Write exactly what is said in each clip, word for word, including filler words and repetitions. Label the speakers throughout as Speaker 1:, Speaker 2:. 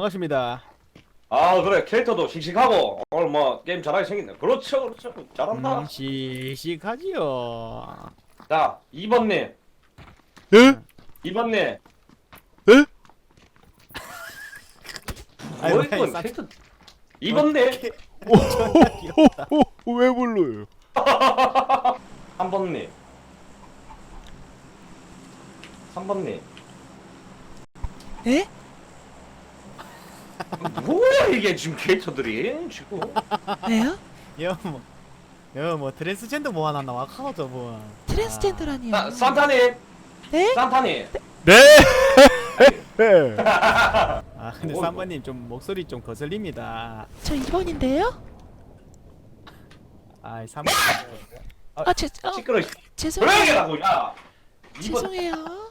Speaker 1: 반갑습니다.
Speaker 2: 아 그래 캐릭터도 씩씩하고 오늘 뭐 게임 잘하게 생겼네. 그렇죠 그렇죠 잘한다.
Speaker 1: 음, 씩씩하지요.
Speaker 2: 자 이 번님
Speaker 3: 예?
Speaker 2: 이 번님
Speaker 3: 예?
Speaker 1: 아이고,
Speaker 2: 뭐 이건
Speaker 1: 쌈-
Speaker 2: 캐릭터 이 번님
Speaker 3: 오, 왜 불러요?
Speaker 2: 삼 번님 삼 번님
Speaker 4: 에?
Speaker 2: 뭐야 이게 지금 캐릭터들이 지금
Speaker 4: 왜요?
Speaker 1: 여뭐 여뭐 트랜스젠더 뭐 하나 나와 카오 저분.
Speaker 4: 트랜스젠더라니요.
Speaker 2: 사, 산타님
Speaker 4: 네?
Speaker 2: 산타님
Speaker 3: 네? 네.
Speaker 1: 아 근데
Speaker 2: 뭐,
Speaker 1: 삼 번님 좀 목소리 좀 거슬립니다.
Speaker 4: 저 이 번인데요?
Speaker 1: 아이 삼 번.
Speaker 4: 아, 죄, 어,
Speaker 2: 시끄러
Speaker 4: 죄송해요.
Speaker 2: 그러게라고 야 이 번
Speaker 4: 죄송해요.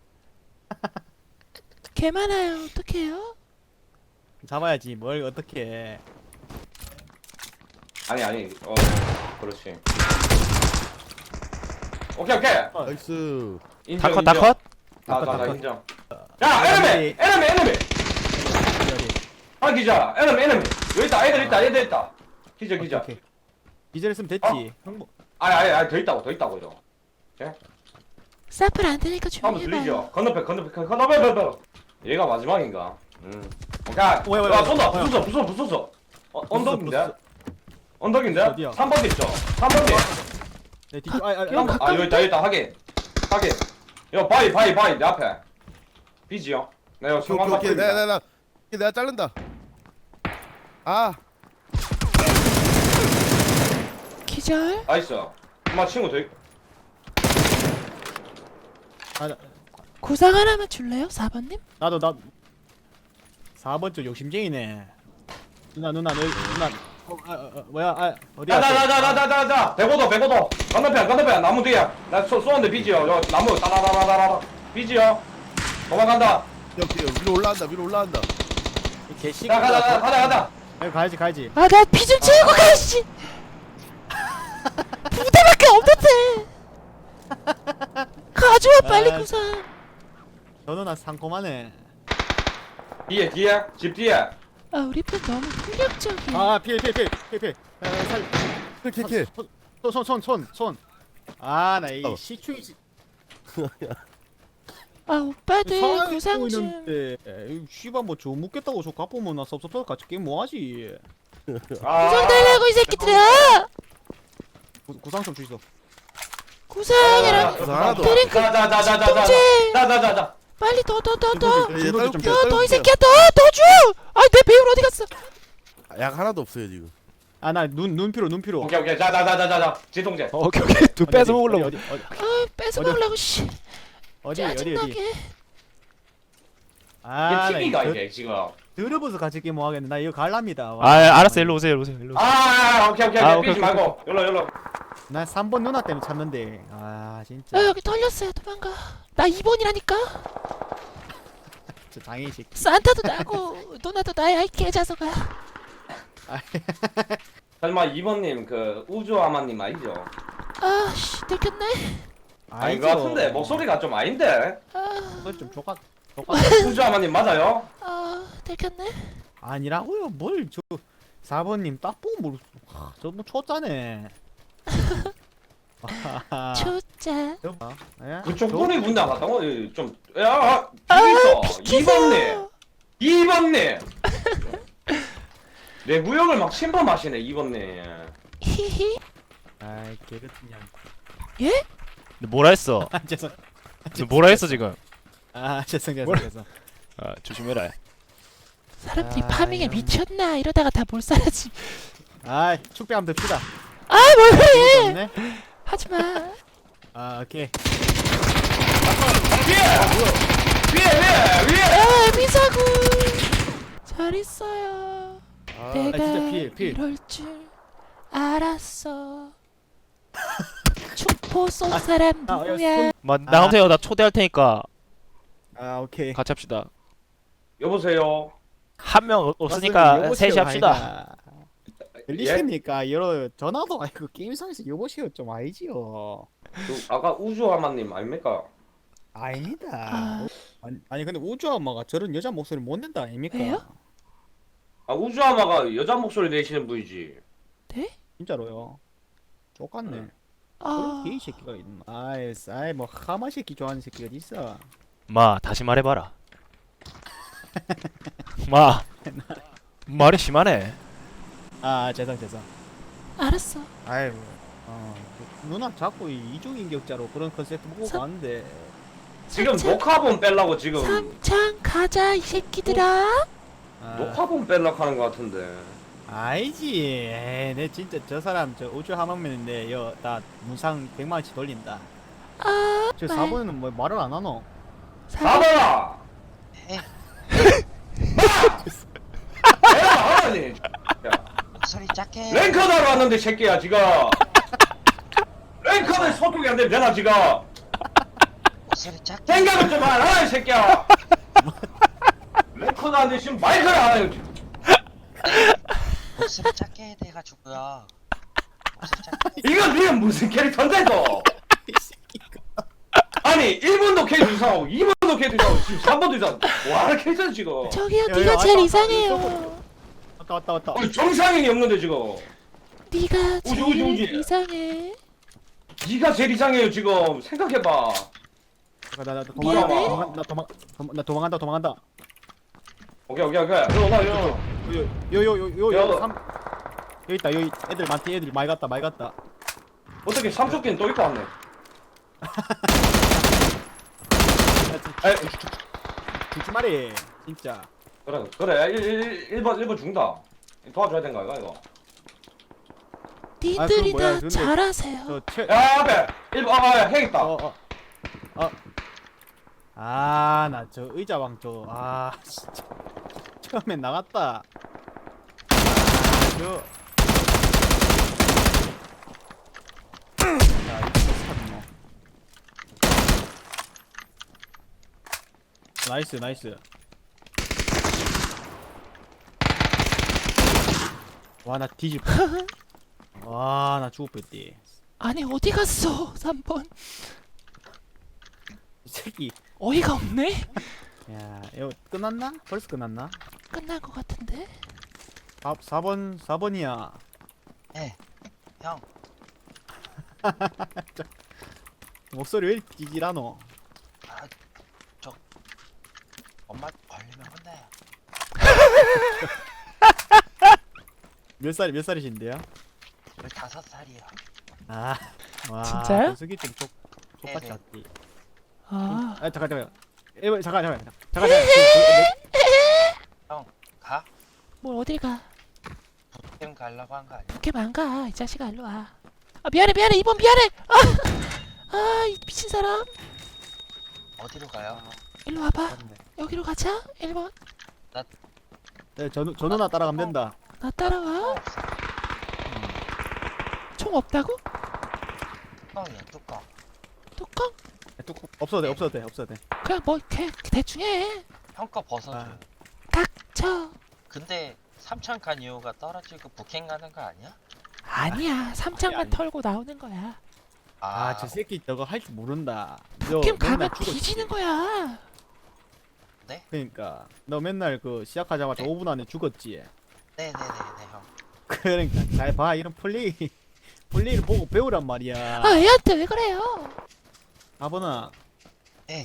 Speaker 4: 개 많아요. 어떡해요?
Speaker 1: 잡아야지 뭘 어떻게.
Speaker 2: 아니 아니 어 그렇지 오케이 오케이
Speaker 3: 나이스.
Speaker 2: 인정
Speaker 3: 다컷
Speaker 2: 인정.
Speaker 3: 다컷?
Speaker 2: 나, 나, 나
Speaker 1: 다컷.
Speaker 2: 인정. 야, 에너미! 에너미, 에너미! 아, 기자! 에너미, 에너미! 여기 있다, 애들 있다, 애들 있다! 기자, 기자.
Speaker 1: 오케이. 기절했으면 됐지. 형부.
Speaker 2: 아니, 아니, 아니, 더 있다고, 더 있다고, 이거.
Speaker 4: 사플 안 되니까
Speaker 2: 한번
Speaker 4: 조용히
Speaker 2: 들리죠?
Speaker 4: 해봐요.
Speaker 2: 건너편, 건너편, 건너편, 건너편! 얘가 마지막인가? 음. 오케이.
Speaker 1: 왜, 왜,
Speaker 2: 야,
Speaker 1: 왜,
Speaker 2: 쏜다!
Speaker 1: 왜?
Speaker 2: 부숴, 부숴, 부숴! 어, 언덕인데?
Speaker 1: 부숴.
Speaker 2: 언덕인데?
Speaker 1: 어디야?
Speaker 2: 삼 번 있죠? 삼 번 뒤!
Speaker 1: 네, 뒤. 아, 아,
Speaker 4: 여기
Speaker 1: 아,
Speaker 2: 아, 여기 있다, 여기 있다, 확인. 확인. 야, 바위, 바위, 바위, 내 앞에. 비지요? 내가
Speaker 3: 오케이
Speaker 2: 성광
Speaker 3: 오케이 오케이.
Speaker 2: 바꾸입니다.
Speaker 3: 내가 내가 내가 자른다. 아,
Speaker 4: 기절.
Speaker 2: 나이스. 엄마 친구 더 있...
Speaker 1: 아, 나-
Speaker 4: 구상 하나만 줄래요? 사 번님?
Speaker 1: 나도 나. 사 번 쪽 욕심쟁이네. 누나 누나 너 누나. 어, 아, 아, 아, 뭐야? 아 어디야?
Speaker 2: 자자자자자자자 백오도 백오도 건너편 건너편 나무 뒤에 나 쏘, 쏘는데 비지요 요 나무 따라라라라라 비지요 도망간다
Speaker 3: 여기 위로 올라간다. 위로 올라간다.
Speaker 1: 개씨.
Speaker 2: 자 가자 가자 가자 가자
Speaker 1: 여기 가야지 가야지.
Speaker 4: 아, 나 피 좀 채우고 가, 씨! 부대밖에 없는데! 가져와, 빨리
Speaker 1: 아,
Speaker 4: 구상.
Speaker 1: 저 누나 상콤하네.
Speaker 2: 뒤에 뒤에 집 뒤에
Speaker 4: 아, 우리 편 너무 폭력적이야.
Speaker 1: 아 피해 피해 피해 피해 피해. 아, 살.
Speaker 3: 킬킬.
Speaker 1: 손 손 손 손. 아 나 이
Speaker 3: 어.
Speaker 1: 시추이 씨.
Speaker 4: 아, 오빠들 구상 좀.
Speaker 1: 있는데 이 씨발 뭐 좀 묻겠다고 저 갚으면 나 섭섭해서 같이 게임 뭐 하지?
Speaker 2: 아
Speaker 4: 구상 달라고, 이 새끼들아!
Speaker 1: 구, 구상 좀 주이소.
Speaker 4: 구상이랑
Speaker 3: 구상 하나도.
Speaker 4: 드링크
Speaker 2: 자자자자자자
Speaker 4: 진통제.
Speaker 2: 자자자자
Speaker 4: 빨리 더 더 더 더
Speaker 3: 이제
Speaker 1: 좀
Speaker 3: 딸게요.
Speaker 4: 더 더 이
Speaker 3: 딸게요.
Speaker 4: 새끼야 더 더 줘! 아, 내 배울 어디 갔어?
Speaker 3: 약 하나도 없어요 지금.
Speaker 1: 아 나 눈 눈피로 눈피로.
Speaker 2: 오케이 오케이 자자자자자자 진통제
Speaker 1: 어, 오케이 오케이. 두 뺏어 먹으려고. 어디 어디
Speaker 4: 아, 뺏어
Speaker 1: 어디?
Speaker 4: 먹으려고, 씨.
Speaker 1: 어디 어디 어디.
Speaker 4: 짜증나게.
Speaker 1: 아,
Speaker 2: 이게 티비가
Speaker 1: 나
Speaker 2: 이게 지금
Speaker 1: 들어봐서 같이 게임 뭐 하겠네. 나 이거 갈랍니다.
Speaker 5: 아 알았어 일로 오세요 일로 오세요 일로 오세요.
Speaker 2: 아 오케이 오케이
Speaker 5: 아,
Speaker 2: 오케이
Speaker 5: 오케이,
Speaker 2: 삐지
Speaker 5: 오케이,
Speaker 2: 말고 열로 열로
Speaker 1: 나 삼 번 누나 때문에 찾는데. 아 진짜.
Speaker 4: 아, 여기 털렸어요. 도망가. 나 이 번이라니까.
Speaker 1: 저 장애식.
Speaker 4: 산타도 나고 누나도 나야, 이 개자석아.
Speaker 2: 설마 이번님 그 우주아마님 아니죠?
Speaker 4: 아, 씨, 들켰네.
Speaker 2: 아닌 것 같은데 목소리가 좀 아닌데
Speaker 4: 아,
Speaker 1: 그건 좀 조각. 조각.
Speaker 2: 우주아마님 맞아요?
Speaker 4: 아, 들켰네.
Speaker 1: 아니라고요. 뭘 저 사 번님 딱 보고 모르. 저뭐 초짜네. 아,
Speaker 4: 초짜.
Speaker 1: 저 봐. 예?
Speaker 2: 그쪽
Speaker 1: 저-
Speaker 2: 분이 문 나갔다고? 좀, 야, 비있어. 이 번님! 이 번님! 내 구역을 막 침범하시네, 이 번님.
Speaker 4: 히히.
Speaker 1: 아이 개같은 년.
Speaker 4: 예?
Speaker 5: 너 뭐라 했어?
Speaker 1: 아 죄송.
Speaker 5: 너 뭐라 했어 지금?
Speaker 1: 아 죄송 죄송 죄송.
Speaker 5: 아 조심해라.
Speaker 4: 사람들이
Speaker 1: 아,
Speaker 4: 파밍에
Speaker 1: 이런.
Speaker 4: 미쳤나 이러다가 다 몰살하지.
Speaker 1: 아 축배함 듭시다.
Speaker 4: 아, 뭘 그래?
Speaker 1: 없네.
Speaker 4: 하지마.
Speaker 1: 아 오케이.
Speaker 2: 위에! 위에, 위에, 위에!
Speaker 4: 아, 미사구. 잘 있어요.
Speaker 3: 아,
Speaker 4: 내가
Speaker 1: 진짜 피해, 피해.
Speaker 4: 이럴 줄 알았어. 축포 쏜 사람
Speaker 1: 아, 야,
Speaker 4: 누구야?
Speaker 5: 마 나오세요. 나 초대할 테니까
Speaker 1: 아 오케이.
Speaker 5: 같이 합시다.
Speaker 2: 여보세요?
Speaker 5: 한 명
Speaker 1: 맞습니다.
Speaker 5: 없으니까
Speaker 1: 여보세요,
Speaker 5: 셋이 합시다.
Speaker 1: 아니다. 들리십니까? 여러 전화도 아니고 게임상에서 여보세요 좀 아니지요.
Speaker 2: 그 아까 우주아마님 아닙니까?
Speaker 1: 아닙니다.
Speaker 4: 아.
Speaker 1: 아니, 아니 근데 우주 엄마가 저런 여자 목소리 못 낸다 아닙니까?
Speaker 4: 왜요?
Speaker 2: 아 우주아마가 여자 목소리 내시는 분이지.
Speaker 1: 진짜로요. 똑같네.
Speaker 2: 응.
Speaker 1: 그런
Speaker 4: 아,
Speaker 1: 게이 새끼가 있나? 아이, 아이 뭐 하마 새끼 좋아하는 새끼가 어디 있어?
Speaker 5: 마 다시 말해봐라. 마 말이 심하네.
Speaker 1: 아 죄송 죄송.
Speaker 4: 알았어.
Speaker 1: 아이 뭐, 어, 그 누나 자꾸 이 이중인격자로 그런 컨셉트 보고
Speaker 4: 사-
Speaker 1: 가는데.
Speaker 2: 지금
Speaker 4: 삼창,
Speaker 2: 녹화본 뺄라고 지금
Speaker 4: 삼창 가자 이 새끼들아.
Speaker 1: 아,
Speaker 2: 녹화본 뺄라고 하는 것 같은데.
Speaker 1: 아니지. 에이, 내 진짜 저 사람 저 우주 하마면인데 여나 문상 백만 원치 돌린다.
Speaker 4: 아,
Speaker 1: 저
Speaker 4: 말.
Speaker 1: 사 번에는 뭐 말을 안 하노?
Speaker 2: 사번아.
Speaker 6: 에
Speaker 2: 마. 내가 하라니. 야.
Speaker 6: 목소리 작게
Speaker 2: 랭커다로 왔는데 새끼야 지금. 랭커는 소통이 안 되면 되나 지금.
Speaker 6: 목소리 작게
Speaker 2: 생각을 좀 하라 이 새끼야. 랭커도 안 돼 지금 마이크를 안 해요 지금.
Speaker 6: 목소리 작게 해야 돼가지고요. 목소리 작게
Speaker 2: 이건 니는 무슨 캐릭터인데 너? 아니 일 번도 캐릭터 이상하고 이 번도 캐릭터 이상하고 지금 삼 번도 이상. 뭐하는 캐릭터야 지금?
Speaker 4: 저기요,
Speaker 1: 야,
Speaker 4: 네가
Speaker 1: 야,
Speaker 4: 제일
Speaker 1: 왔다,
Speaker 4: 이상해요.
Speaker 1: 왔다 왔다 왔다.
Speaker 2: 우리 정상인이 없는데 지금.
Speaker 4: 네가
Speaker 2: 우지,
Speaker 4: 제일
Speaker 2: 우지, 우지.
Speaker 4: 이상해.
Speaker 2: 네가 제일 이상해요 지금. 생각해봐.
Speaker 1: 잠깐 나나
Speaker 2: 미안해.
Speaker 1: 도망 나 도망 도망- 나 도망간다 도망간다.
Speaker 2: 오케이 오케이 오케이. 이거 나 이거.
Speaker 1: 요요요요요
Speaker 2: 야.
Speaker 1: 삼 여기 있다 여기 애들 많대 애들 많이 갔다 많이 갔다.
Speaker 2: 어떻게 삼촌끼는 또 있고 왔네.
Speaker 1: 야,
Speaker 2: 에
Speaker 1: 주지 말이 진짜.
Speaker 2: 그래 그래 일 번 일 번 죽는다. 도와줘야 된가 이거 이거.
Speaker 4: 니들이
Speaker 1: 뭐야,
Speaker 4: 다
Speaker 1: 근데
Speaker 4: 잘하세요.
Speaker 1: 저최
Speaker 2: 야 앞에 일 번 아해 있다.
Speaker 1: 어, 어, 어. 아, 나 저 의자왕 저, 아, 진짜. 처음엔 나갔다. 아, 저. 야, 이거 샀노. 나이스, 나이스. 와, 나 뒤질 뻔. 와, 나 죽을 뻔했디.
Speaker 4: 아니 어디 갔어? 삼 번.
Speaker 1: 이 새끼.
Speaker 4: 어이가 없네.
Speaker 1: 야, 이거 끝났나? 벌써 끝났나?
Speaker 4: 끝날 것 같은데.
Speaker 1: 사, 사 번, 사 번이야.
Speaker 6: 형
Speaker 1: 목소리 왜 이렇게 찌질하노?
Speaker 6: 엄마 걸리면 혼나요.
Speaker 1: 몇 살, 몇 살이신데요?
Speaker 6: 열다섯 살이요.
Speaker 1: 아, 와.
Speaker 4: 진짜요?
Speaker 1: 녀석이 좀 족, 족같이
Speaker 6: 네네.
Speaker 1: 왔디.
Speaker 4: 아,
Speaker 1: 아, 잠깐, 잠깐. 에, 잠깐, 잠깐, 잠깐. 잠깐, 잠깐.
Speaker 6: 가?
Speaker 4: 뭘 어딜 가?
Speaker 6: 지금 가려고 한 거 아니야?
Speaker 4: 이렇게 망가 이 자식아 일로 와. 아 미안해 미안해 이번 미안해. 아, 아 이 미친 사람.
Speaker 6: 어디로 가요?
Speaker 4: 일로 와봐. 여기로 가자. 일 번.
Speaker 1: 네, 저, 누- 저 누나 따라가면 된다.
Speaker 4: 나 따라와.
Speaker 6: 없어.
Speaker 4: 총 없다고?
Speaker 6: 뚜껑이야 뚜껑.
Speaker 4: 뚜껑?
Speaker 1: 야, 뚜껑 없어도 돼, 없어도 돼, 없어도 돼.
Speaker 4: 그냥 뭐 대, 대충 해.
Speaker 6: 형 거 벗어줘.
Speaker 1: 아.
Speaker 4: 닥쳐.
Speaker 6: 근데 삼천 간 이유가 떨어지고 북행 가는 거 아니야?
Speaker 4: 아니야. 삼창만
Speaker 1: 아니.
Speaker 4: 털고 나오는 거야.
Speaker 1: 아, 저 새끼 저거 할 줄 모른다. 너
Speaker 4: 캠
Speaker 1: 맨날
Speaker 4: 가면
Speaker 1: 죽었지.
Speaker 4: 뒤지는 거야.
Speaker 1: 그러니까 너 맨날 그 시작하자마자 오 분 안에 죽었지.
Speaker 6: 네네네네 형.
Speaker 1: 그러니까 잘 봐, 이런 플레이 플레이를 보고 배우란 말이야.
Speaker 4: 아 애한테 왜 그래요?
Speaker 1: 아버나.
Speaker 6: 네.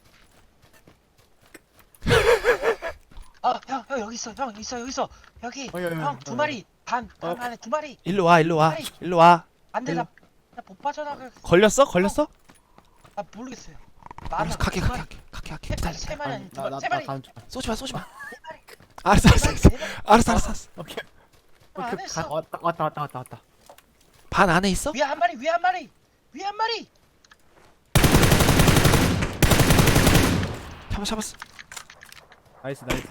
Speaker 6: 아, 형, 형 여기 있어, 형 있어, 여기 있어, 여기,
Speaker 1: 어, 야, 야,
Speaker 6: 형 두
Speaker 1: 어,
Speaker 6: 마리, 반,
Speaker 1: 어.
Speaker 6: 반 안에 두 마리.
Speaker 5: 일로 와 일로 와 일로 와.
Speaker 6: 안돼, 나, 나못 빠져나가.
Speaker 5: 걸렸어 걸렸어?
Speaker 6: 아 모르겠어요.
Speaker 5: 알았어 갈게
Speaker 6: 두
Speaker 5: 갈게
Speaker 6: 마리.
Speaker 5: 갈게 갈게 갈게
Speaker 6: 세,
Speaker 5: 기다려.
Speaker 6: 세 마리 아니 두
Speaker 1: 나,
Speaker 6: 마리,
Speaker 1: 나,
Speaker 6: 세
Speaker 1: 나
Speaker 6: 마리.
Speaker 1: 가는 중.
Speaker 5: 쏘지 마 쏘지 마.
Speaker 6: 세 마리.
Speaker 5: 알았어 알았어 알았어
Speaker 6: 세 마리.
Speaker 5: 알았어 알았어 알았어.
Speaker 1: 오케이.
Speaker 6: 안
Speaker 1: 오케이.
Speaker 6: 했어.
Speaker 1: 가, 왔다, 왔다, 왔다, 왔다, 왔다.
Speaker 5: 반 안에 있어?
Speaker 6: 위에 한 마리, 위에 한 마리, 위에 한 마리.
Speaker 5: 잡았어 잡았어.
Speaker 1: 나이스, 나이스.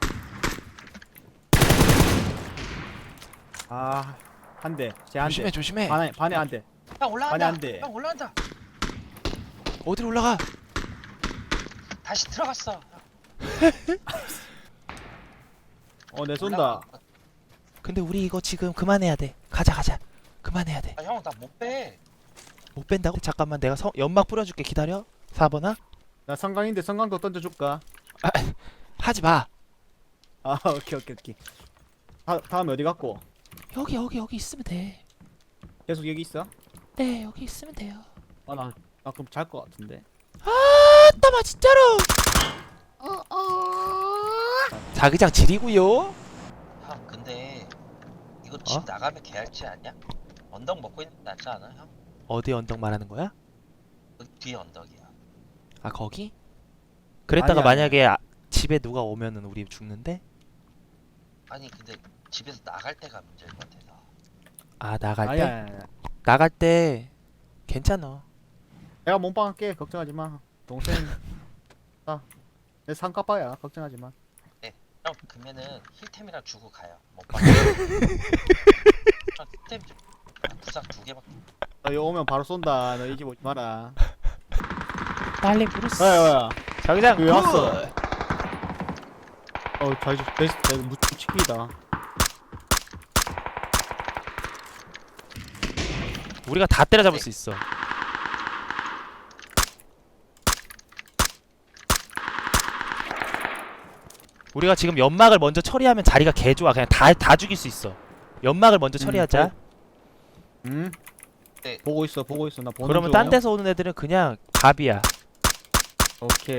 Speaker 1: 아, 한 대. 쟤한 대.
Speaker 5: 조심해 조심해.
Speaker 1: 반에, 반에 한 대.
Speaker 6: 형
Speaker 1: 아니,
Speaker 6: 올라간다.
Speaker 1: 안 돼.
Speaker 6: 형 올라간다.
Speaker 5: 어디로 올라가?
Speaker 6: 다시 들어갔어.
Speaker 1: 어, 내 쏜다.
Speaker 6: 올라가.
Speaker 5: 근데 우리 이거 지금 그만해야 돼. 가자 가자. 그만해야 돼.
Speaker 6: 아, 형 나 못 빼.
Speaker 5: 못 뺀다고? 잠깐만 내가 성, 연막 뿌려줄게. 기다려. 사 번아.
Speaker 1: 나 성강인데 성강도 던져줄까?
Speaker 5: 하지 마.
Speaker 1: 아, 오케이, 오케이, 오케이. 다, 다음에 어디 갔고?
Speaker 4: 여기 여기 여기 있으면 돼.
Speaker 1: 계속 여기 있어?
Speaker 4: 네 여기 있으면 돼요.
Speaker 1: 아, 나, 나 그럼 잘 것 같은데.
Speaker 4: 아따마 진짜로.
Speaker 5: 자기장 지리고요.
Speaker 6: 형 근데 이거 집
Speaker 5: 어?
Speaker 6: 나가면 개할지 않냐? 언덕 먹고 있는 게 낫지 않아 형?
Speaker 5: 어디 언덕 말하는 거야?
Speaker 6: 그 뒤에 언덕이야.
Speaker 5: 아 거기? 그랬다가
Speaker 1: 아니야,
Speaker 5: 만약에 아, 집에 누가 오면은 우리 죽는데?
Speaker 6: 아니 근데 집에서 나갈 때가 문제인 것 같아서.
Speaker 5: 아 나갈 때?
Speaker 1: 아니야, 아니야.
Speaker 5: 나갈 때 괜찮아.
Speaker 1: 내가 몸빵 할게. 걱정하지 마. 동생. 아, 내 상가빠야. 걱정하지 마.
Speaker 6: 형 그러면은 힐템이랑 주고 가요. 못 봐. 형 힐템 좀 부상 두 개밖에.
Speaker 1: 너 여기 오면 바로 쏜다. 너 이기 보지 마라.
Speaker 5: 빨리 부르스.
Speaker 1: 뭐야, 뭐야.
Speaker 5: 자기장
Speaker 1: 왜 왔어?
Speaker 5: 굿!
Speaker 1: 어, 잘, 베스트, 무척 치기다.
Speaker 5: 우리가 다 때려잡을 수 있어. 우리가 지금 연막을 먼저 처리하면 자리가 개 좋아. 그냥 다 다 죽일 수 있어. 연막을 먼저 처리하자.
Speaker 1: 응?
Speaker 6: 네.
Speaker 1: 보고 있어, 보고 있어. 나 보는
Speaker 5: 그러면
Speaker 1: 중.
Speaker 5: 딴 데서 오는 애들은 그냥 밥이야.
Speaker 1: 오케이.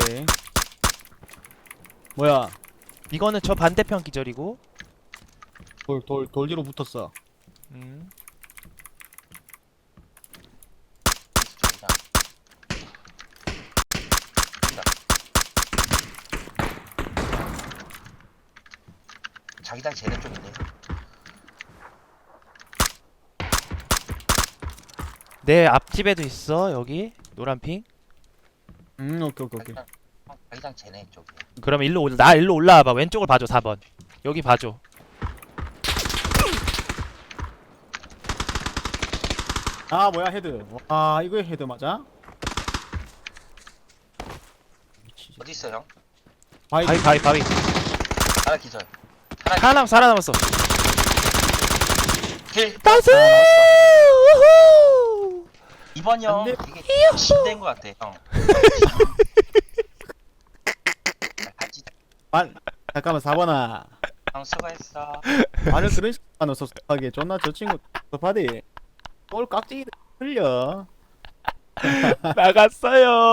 Speaker 1: 뭐야?
Speaker 5: 이거는 저 반대편 기절이고.
Speaker 1: 돌, 돌, 돌 뒤로 붙었어.
Speaker 5: 음.
Speaker 6: 저기다. 자기장 쟤네 쪽인데.
Speaker 5: 내 앞집에도 있어. 여기 노란 핑.
Speaker 1: 음, 오케이, 오케이, 오케이.
Speaker 6: 자기장, 형, 자기장 쟤네 쪽이야.
Speaker 5: 그럼 일로 올, 나 일로 올라와 봐. 왼쪽을 봐줘. 사 번. 여기 봐줘.
Speaker 1: 아, 뭐야, 헤드. 와, 이거 헤드 맞아? 미치지.
Speaker 6: 어디 있어 형?
Speaker 1: 바이,
Speaker 5: 바위 바위 바위.
Speaker 6: 하나 기절. 하나
Speaker 5: 하나 살아남았어.
Speaker 6: 킬.
Speaker 5: 나이스!
Speaker 6: 하나 남았어.
Speaker 5: 우후!
Speaker 6: 이번 형
Speaker 1: 안 돼.
Speaker 6: 이게 진된 것 같아 형. 하지.
Speaker 1: 만, 잠깐만, 사 번아.
Speaker 6: 형 수고했어.
Speaker 1: 말을 그런 식으로 섭섭하게. 존나 저 친구 섭섭하디. 뭘 깍지기 흘려.
Speaker 5: 나갔어요.